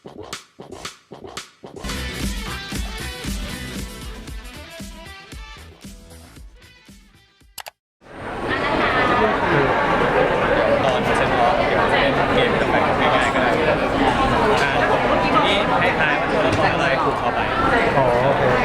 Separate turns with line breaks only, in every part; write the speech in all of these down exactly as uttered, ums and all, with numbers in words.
ตอนเซ็นทรัลเดี๋ยวจะเล่นเกมแบบง่ายๆก็ได้นี่ให้ทายว่าตัวละครอะไรถูกเข้าไป
อ๋อโอเคน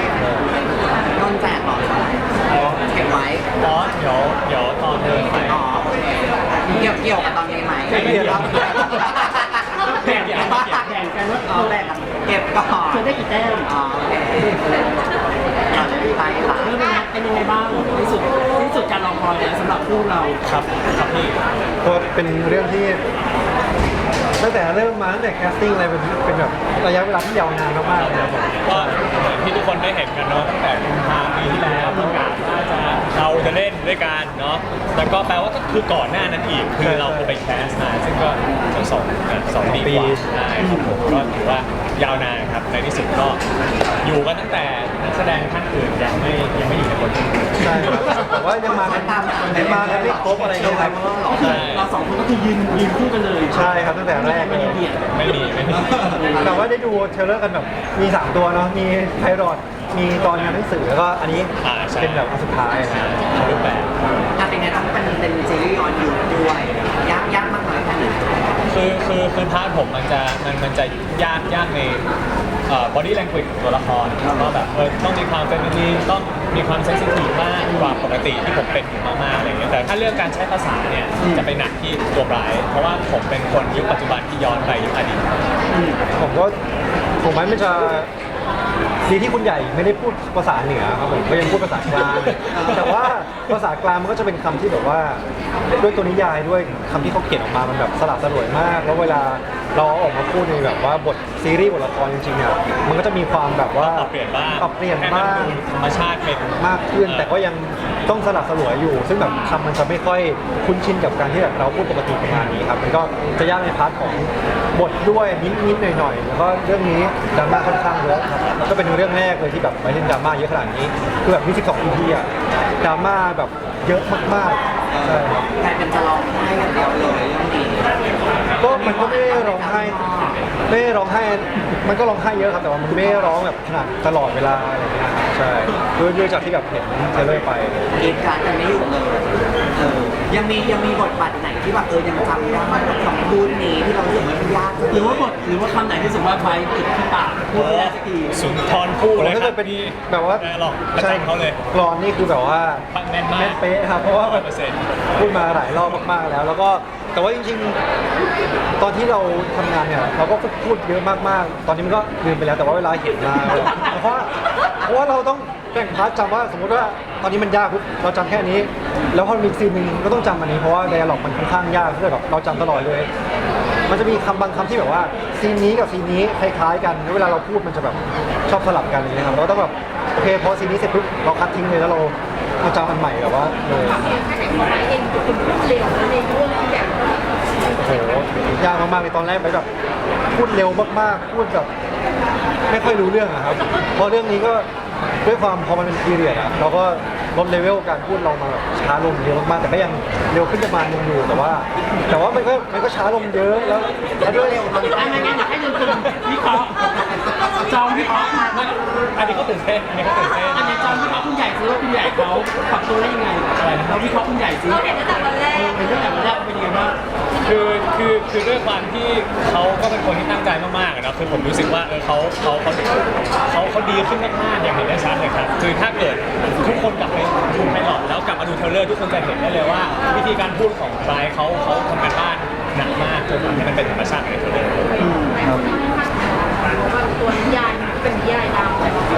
นแจกต่อเก็บไว้
อ๋อเดี๋ยวเดี๋ยวตอนเดินไป
อ๋อเกี่ยวเกี่ยวกับตอนนี้ไหมไม่เกี่ยวครับแบ่งกันแบ่งกันว่าอ๋อแบ่งกันเก็บก่อนจะได้กี่แต้มอ๋อโอเคเราจะไปค่ะเรื่องนี้เป็นยังไงบ้างที่สุดที่สุดการรอคอยสำหรับคู่เรา
ครับครับพี่
ก็เป็นเรื่องที่ตั้งแต่เริ่มมาตั้งแต่แคสติ้งอะไรเป็นเป็นแบบระยะเวลาที่ยาวนานมากๆเลยครับผม
ก็เหมือนที่ทุกคนได้เห็นกันเนาะตั้งแต่กุมภาพันธ์ปีที่แล้วประกาศว่าจะเราจะเล่นด้วยกันเนาะแต่ก็แปลว่าก็คือก่อนหน้านั้นอีกคือเราไปแคสมาซึ่งก็ทั้งสองสองปีกว่าใช่ครับผมก็ถือว่ายาวนานครับในที่สุดก็อยู่กันตั้งแต่นักแสดงท่านอื่นยังไม่ยังไม่อยู่ในบท
ใช่ครับแต่ว่ายังมากันยังมากันไม่ครบอะไรเลยครับ
เราสองคนก็คือยืนยืนคู่กันเลย
ใช่ครับตั้งแต่แรกเลย
ไม่มีไม่มี
แต่ว่าได้ดูเทรลเลอร์กันแบบมีสามตัวเนาะมีไพรอตมีตอนงานหนังสือแล้วก็อันนี้เป็นแบบอันสุดท้ายนะ
รูปแบบ
ถ้าเป็นไงต้องเป็นเป็นซีรีส์ย้อนยุคด้วยยากยากมากน้อยแค่ไหน
คือคือคือพาร์ทผมมันจะมันมันจะยากยากในเอ่อ body language ของตัวละครแล้วก็แบบเออต้องมีความเฟมินีนต้องมีความเซนซิทีฟมากกว่าปกติที่ผมเป็นอยู่มากๆอะไรเงี้ยแต่ถ้าเรื่องการใช้ภาษาเนี่ยจะไปหนักที่ตัวร้ายเพราะว่าผมเป็นคนยุคปัจจุบันที่ย้อนไปยุคอดีต
ผมก็ผมไม่จะดีที่คุณใหญ่ไม่ได้พูดภาษาเหนือครับผมก็ยังพูดภาษากลางแต่ว่าภาษากลางมันก็จะเป็นคำที่แบบว่าด้วยตัวนิยายด้วยคำที่เขาเขียนออกมามันแบบสลับสลวยมากแล้วเวลาเราออกมาพูดในแบบว่าบทซีรีส์บทละครจริงๆเนี่ยมันก็จะมีความแบบว่า
ปรับเปลี่ยนบ้าง
ปรับเปลี่ยนบ้าง
ธรรมชาติเป็น
มากขึ้นแต่ก็ยังต้องสลับสลวยอยู่ซึ่งแบบคำมันจะไม่ค่อยคุ้นชินกับการที่แบบเราพูดปกติประมาณนี้ครับมันก็จะยากในพาร์ทของบทด้วยนิดๆหน่อยๆแล้วก็เรื่องนี้ดราม่าค่อนข้างเยอะครับก็เป็นเรื่องแรกเลยที่แบบไปเล่นดราม่าเยอะขนาดนี้คือแบบมีสิบสอง อี พี อะดราม่าแบบเยอะมากๆใช่
แต่เป็นจะร้องไห้อย่างเดียวเลยเรื่องนี้
ก็มันก็ไม่ได้ร้องไห้ไม่ได้ร้องไห้มันก็ร้องไห้เยอะครับแต่ว่ามันไม่ได้ร้องแบบขนาดตลอดเวลาอะไรอย่างเงี้ยใช่ด้วยด้วยจากที่แบบเห็นเทเลอร์ไป
เหตุการณ์กันไม่หยุดเลยเออยังมียังมีบทบาทไหนที่แบบเออยังจำได้กับคำพูดนี้ที่เรารู้สึกว่ามันยากหรือว่าบทหรือว่าคำไหนที่รู้สึกว่าไว้ติดที่ปากพูดไม่ได้สักที
สุนทรภู่เลย
ถ้าเกิดเป็นแบบว่า
หลอกใช่เขาเลย
กรอนนี่คือแบบว่า
แม่นมาก
เป๊ะครับเพราะว่าพูดมาหลายรอบมากๆแล้วแล้วก็แต่ว่าจริงๆตอนที่เราทำงานเนี่ยเราก็พูดเยอะมากๆตอนนี้มันก็ลืมไปแล้วแต่ว่าเวลาเห็นมาเพราะเพราะว่าเราต้องแบ่งพาร์ทจำว่าสมมติว่าตอนนี้มันยากปุ๊บเราจำแค่นี้แล้วพอมีซีนหนึ่งก็ต้องจำอันนี้เพราะว่าไดอะล็อกมันค่อนข้างยากที่แบบเราจำตลอดเลยมันจะมีคำบางคำที่แบบว่าซีนนี้กับซีนนี้คล้ายๆกันแล้วเวลาเราพูดมันจะแบบชอบสลับกันอะไรเงี้ยครับเราต้องแบบโอเคพอซีนนี้เสร็จปุ๊บเราคัดทิ้งเลยแล้วเราเราจำอันใหม่แบบว่าเลยโอ้โหยากมากๆในตอนแรกไปแบบพูดเร็วมากๆพูดแบบไม่ค่อยรู้เรื่องอะครับเพราะเรื่องนี้ก็ด้วยความพอมันเป็นพีเรียดอะเราก็ลดเลเวลการพูดเรามาแบบช้าลงเยอะมากๆแต่ก็ยังเร็วขึ้นประมาณนึงอยู่แต่ว่าแต่ว่ามันก็มันก็ช้าลงเยอะแล้วแล้วด้วย
ไม่ไม่งั้นอยากให้ดูคุณวิเคราะห์จอมวิเคราะห์
อันนี้ก็ตื่นเต้นอันนี้ก็ตื่นเต้น
อันนี้จอมวิเคราะห์คุณใหญ่ซื้อว่าคุณใหญ่เขาปรับตัวได้ยังไงเราวิเคราะห์คุณใหญ่ซื้อเราเห็นตั้งแต่วันแรกเห็นตั้งแต่วันแรกเป็นยังไงบ้าง
คือคือคือด้วยความที่เขาก็เป็นคนที่ตั้งใจมากๆนะคือผมรู้สึกว่าเออเขาเขาเขาเขาเขาดีขึ้นมากๆอย่างเห็นได้ชัดเลยครับคือถ้าเกิดทุกคนกลับไปดูไพลอตแล้วกลับมาดูเทรลเลอร์ทุกคนจะเห็นได้เลยว่าวิธีการพูดของไบรท์เขาเขาทำการบ้านหนักมากจนทำให้มันเป็นธรรมชาติในเทรลเลอร์
ตัวนิยายเป็นนิยายดังแต่ว่า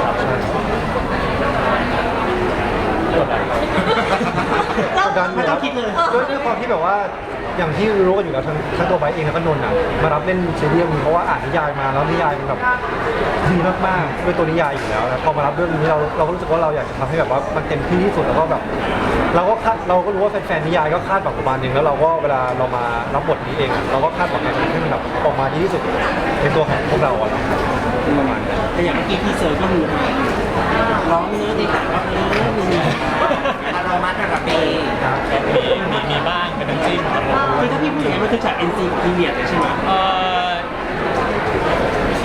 กดดันไม่ต้องคิดเลยด้วยความที่แบบว่าอย่างที่รู้กันอยู่แล้วทั้งทั้งตัวไบเองแล้วก็นนท์อ่ะมารับเล่นซีรีส์นี้เพราะว่าอ่านนิยายมาแล้วนิยายมันแบบดีมากๆด้วยตัวนิยายอยู่แล้วนะพอมารับเรื่องนี้เราเราก็รู้สึกว่าเราอยากจะทำให้แบบว่ามันเต็มที่ที่สุดแล้วก็แบบเราก็คาดเราก็รู้ว่าแฟนๆนิยายก็คาดหวังประมาณนึงแล้วเราก็เวลาเรามารับบทนี้เองเราก็คาดหวังให้มันแบบออกมาดีที่สุดในตัวของพวกเราอ่ะประมาณนั้น
แต่อย่างเมื่อกี้ทีเซอร์ก็มีร้องเนื้อดีแต่ว่าเนื้อมีอารมณ์ระเบี
มีมีมีบ้างเป็นน้ำจิ้มครับ
คือถ้าพี่พูดอย่างนี้มันคือจาก เอ็น ซี พีเรียดเลยใช่ไหม
เอ่อค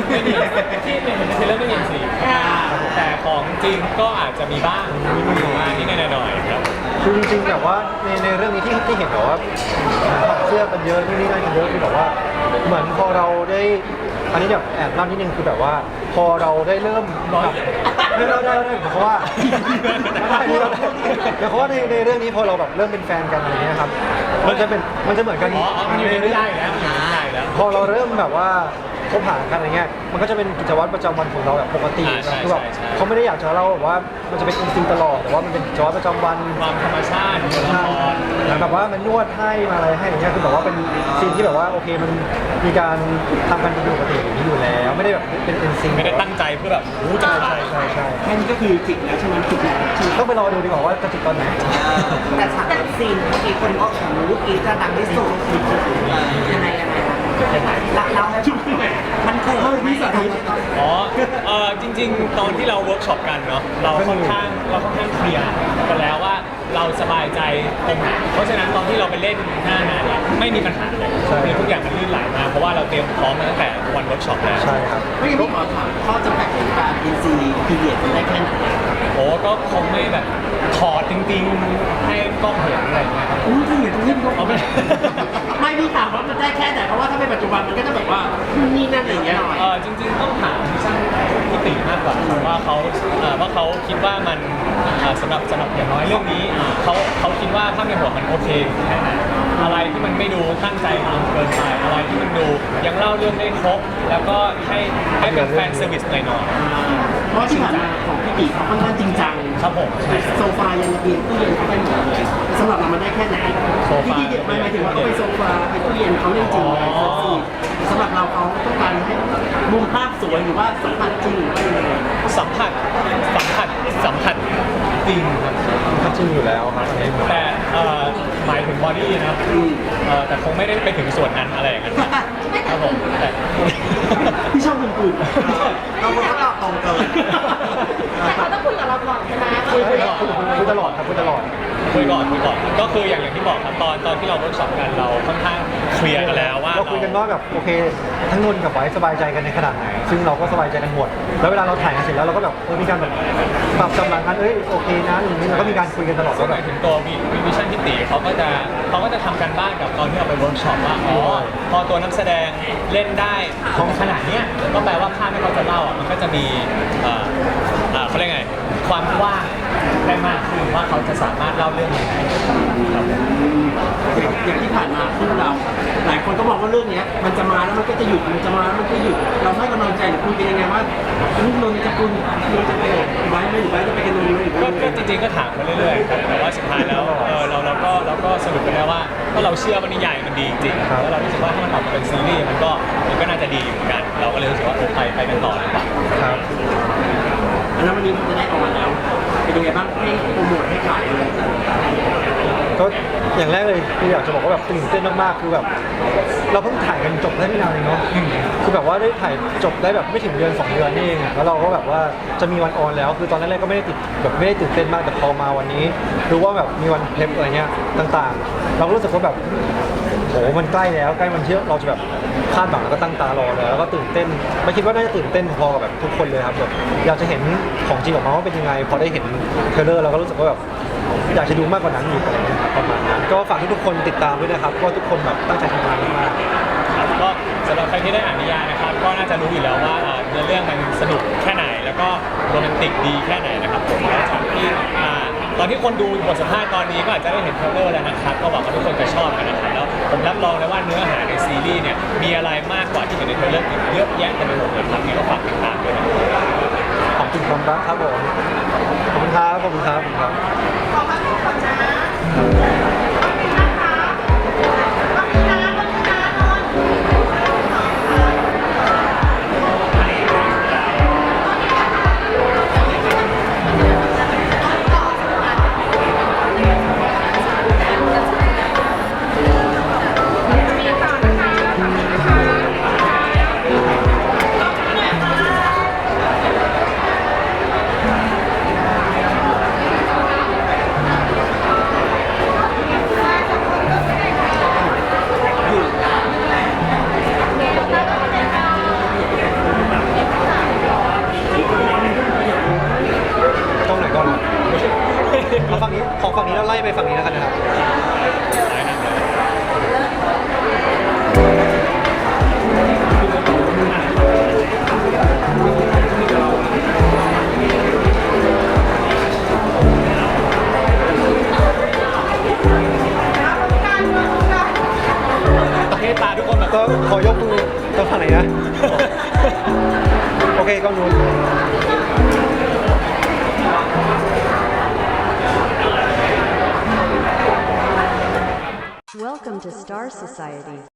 ไม่มีที่เป็นในเทรลเลอร์ไม่มีสีแต่ของจริงก็อาจจะมีบ้างมีบ้างที่แน่ๆหน่อยครับ
คือจริงๆแบบว่าในในเรื่องนี้ที่ที่เห็นแบบว่าถอดเสื้อกันเยอะที่นี่นั่นกันเยอะคือแบบว่าเหมือนพอเราได้อันนี้แบบแอบเล่านิดนึงคือแบบว่า พอเราได้เริ่มแบบไม่เล่าได้ได้เพราะว่าได้เพราะว่าในในเรื่องนี้พอเราแบบเริ่มเป็นแฟนกันอะไรเงี้ยครับมันจะเป็นมันจะเหมือนกัน
อ๋ออ๋อมันอยู่ในนิยายอยู่แล้วมันอยู่ในนิยายอยู่แล้ว
พอเราเริ่มแบบว่าคบหากันอะไรเงี้ยมันก็จะเป็นกิจวัตรประจำวันของเราแบบปกติ
อ่าใช่
คือแบบ
ใช่ใช่
เขาไม่ได้อยากจะเล่าแบบว่ามันจะเป็นอินสติ้งตลอดแต่ว่ามันเป็นกิจวัตรประจำวัน
ความธรรมชาติของตัวละคร
แบบว่ามันนวดให้มาอะไรให้อย่างเงี้ยคือแบบว่าเป็นซีนที่แบบว่าโอเคมันมีการทำกันเป็นปกติอย่างนี้อยู่แล้ว ไม่ได้แบบเป็นเอ็นซี
ไม่ได้ตั้งใจเพื่อแบบรู้จะ
ใช่
ถ่าย
ใช่ใช่
แค่นี้ก็คือจิกแล้วใช่ไหมจิกแล้วใช่ไหม
ต้องไปรอดูดีกว่าว่าจะจิกตอนไหน
แต่ฉากซีนเมื่อกี้คนก็ของรู้กี้จะดังที่สุดยังไงยังไงเราเรามันเคยเฮ้ยพี่สาธิต
อ๋อเออจริง ๆ ตอนที่เราเวิร์กช็อปกันเนาะเราค่อนข้างเราค่อนข้างเคลียร์กันแล้วว่าเราสบายใจตรงไหนเพราะฉะนั้นตอนที่เราไปเล่นหน้างานเนี่ยไม่มีปัญหาเลยคือทุกอย่างมันลื่นไหลมาเพราะว่าเราเตรียมพร้อมมาตั้งแต่วันเวิร์กช็อปแล้ว
ใช่ครับ
ไม่งั้นพี่ขอถามข้อจำกัดของการ เอ็น ซี พีเรียดมันได้แค่ไหน
โอ้ก็คงไม่แบบถอดจริงๆให้กล้องเห็นอะไรอย่างเงี้ยครับ
อู้ถ้าเห็นตรงนี้มันก็
เอาไม่
ไม่พี่ถามว่ามันได้แค่ไหนเพราะว่าถ้าเป็นปัจจุบันมันก็จะแบบว่านี่นั่นอะไรอย่างเงี้ย
เออจริงๆต้องถามช่างพิติมากกว่าครับว่าเขาเอ่อว่าเขาคิดว่ามันเอ่อสำหรับสำหรับอย่างน้อยเรื่องนี้เขาเขาคิดว่าภาพในหัวมันโอเคแค่ไหนอะไรที่มันไม่ดูตั้งใจทำเกินไปอะไรที่มันดูยังเล่าเรื่องได้ครบ แล้วก็ให้ให้เป็นแฟนเซอร์วิสหน่อย
เพราะที่ผ่านมาของพี่ตีเขาค่อนข้างจริงจัง
ๆครับผมใช่
โซฟายังระเบียงตู้เย็นเขาไปหมดเลยสำหรับเรามันได้แค่ไหน
โซฟา
ที่ที่ไม่หมายถึงว่าเขาไปโซฟาไปตู้เย็นเขาเรื่องจริงไหม
อ๋อ
สำหรับเราเขาต้องการให้มุมภาพสวยหรือว่าสัมผัสจริงหรือว่ายังไง
สัมผัสสัมผัสสัมผัสจริงครับ
ก็จริงอยู่แล้วครับอันนี้
แต่เอ่อหมายถึงบอดี้นะเอ่อแต่คงไม่ได้ไปถึงส่วนนั้นอะไรอย่างนั้นครับผมแต่
พี่ชอบคนอื่น
เราก็ตอบตรงเกิน
แต่เขาต้องคุยกับเราก่อนใช่ไหม
คุยคุยก่อน
คุยตลอดครับคุยตลอด
คุยก่อนคุยก่อนก็คืออย่างอย่างที่บอกครับตอนตอนที่เราเวิร์กช็อปกันเราค่อนข้างเคลียร์กันแล้วว่า
เราคุยกันว่าแบบโอเคทั้งนนท์กับไว้สบายใจกันในขนาดไหน ซึ่งเราก็สบายใจกันหมด แล้วเวลาเราถ่ายกันเสร็จแล้วเราก็แบบเออมีการแบบปรับกำลังกันเอ้ยโอเคนะอย่างนี้เราก็มีการคุยกันตลอด
ก็
ว่า
ห
แบ
มา
บ
ยถึงตัววีวิชั่นที่ตีเขาก็จะเขาก็จะทำกันบ้านกับตอนที่เราไปเวิร์กช็อปว่าอ๋อพอตัวนักแสดงเล่นได้ของขนาดเนี้ยก็แปลว่าภาพที่เขาจะเล่าอ่ะมันก็จะมีเอ่อเอ่อเขาเรียกไงความกว้างได้มากขึ้นว่าเขาจะสามารถเล่าเรื่องยังไงครับผม
อย่างที่ผ่านมาคู่เรา หลายคนก็มองว่าเรื่องเนี้ยมันจะมาแล้วมันก็จะหยุดมันจะมาแล้วมันก็หยุดเราให้กำลังใจหรือคุยกันยังไงว่าลูกนนท์จะคุณนนท์จะไปไว้ไหมหรือไว้จะไปกันนนท์ไหมหรือ
ก็
ว่า
ก็จริงๆก็ถามกันเรื่อยๆครับแต่ว่าสุดท้ายแล้วเออเราเราก็เราก็สรุปกันได้ว่าก็เราเชื่อว่านิยายมันดีจริงๆแล้วเรารู้สึกว่าถ้ามันออกมาเป็นซีรีส์มันก็มันก็น่าจะดีอยู่เหมือนกัน เราก็เลยรู้สึกว่าเออไปไปกันต่อดีกว่า
ครับ
แล้ววันนี้มันจะได้ออกมาแล้วเป็นยังไงบ้างให้โปรโมทให้ขายเลย
ก็อย่างแรกเลยคืออยากจะบอกว่าแบบตื่นเต้นมากๆคือแบบเราเพิ่งถ่ายกันจบได้ไม่นานเองเนาะคือแบบว่าได้ถ่ายจบได้แบบไม่ถึงเดือนสองเดือนนี่เองอะแล้วเราก็แบบว่าจะมีวันออนแล้ว คือตอนแรกๆก็ไม่ได้ติดแบบไม่ได้ตื่นเต้นมากแต่พอมาวันนี้รู้ว่าแบบมีวันเพลฟอะไรเงี้ยต่างๆ เราก็รู้สึกว่าแบบโหมันใกล้แล้วใกล้มันที่เราจะแบบคาดหวังแล้วก็ตั้งตารอแล้วแล้วก็ตื่นเต้นไม่คิดว่าน่าจะตื่นเต้นพอกับแบบทุกคนเลยครับแบบอยากจะเห็นของจริงออกมาว่าเป็นยังไงพอได้เห็นเทรลเลอร์เราก็รู้สึกว่าแบบอยากจะดูมากกว่านั้นอีกอะไรเงี้ยประมาณนั้นก็ฝากทุกๆคนติดตามด้วยนะครับเพราะว่าทุกคนแบบตั้งใจทำงานมากๆ
ครับก็สำหรับใครที่ได้อ่านนิยายนะครับก็น่าจะรู้อยู่แล้วว่าอ่าเนื้อเรื่องมันสนุกแค่ไหน แล้วก็โรแมนติกดีแค่ไหนนะครับผมแล้วจากที่อ่าตอนที่คนดูบทสัมภาษณ์ตอนนี้ก็อาจจะได้เห็นเทรลเลอร์แล้วนะครับก็หวังว่าทุกคนจะชอบกันนะครับแล้วผมรับรองเลยว่าเนื้อหาในซีรีส์เนี่ยมีอะไรมากกว่าที่เห็นในเทรลเลอร์อีกเยอะแยะเต็มไปหมดเลยครับนี่ก็ฝากติดตามด้วยนะครับ
ขอบคุณความรักครับผม ขอบคุณครับ ขอบคุณครับ ขอบคุณครับ
ขอพักก่อนนะ
ไปฝั่งนี้แล้วกันนะครับ
ซ้ายนำเลย เทตาทุกคนแบบ
ก็ขอยกมือตรงฝั่งไหนนะ โอเคกล้องนู้น
Welcome to Star Society.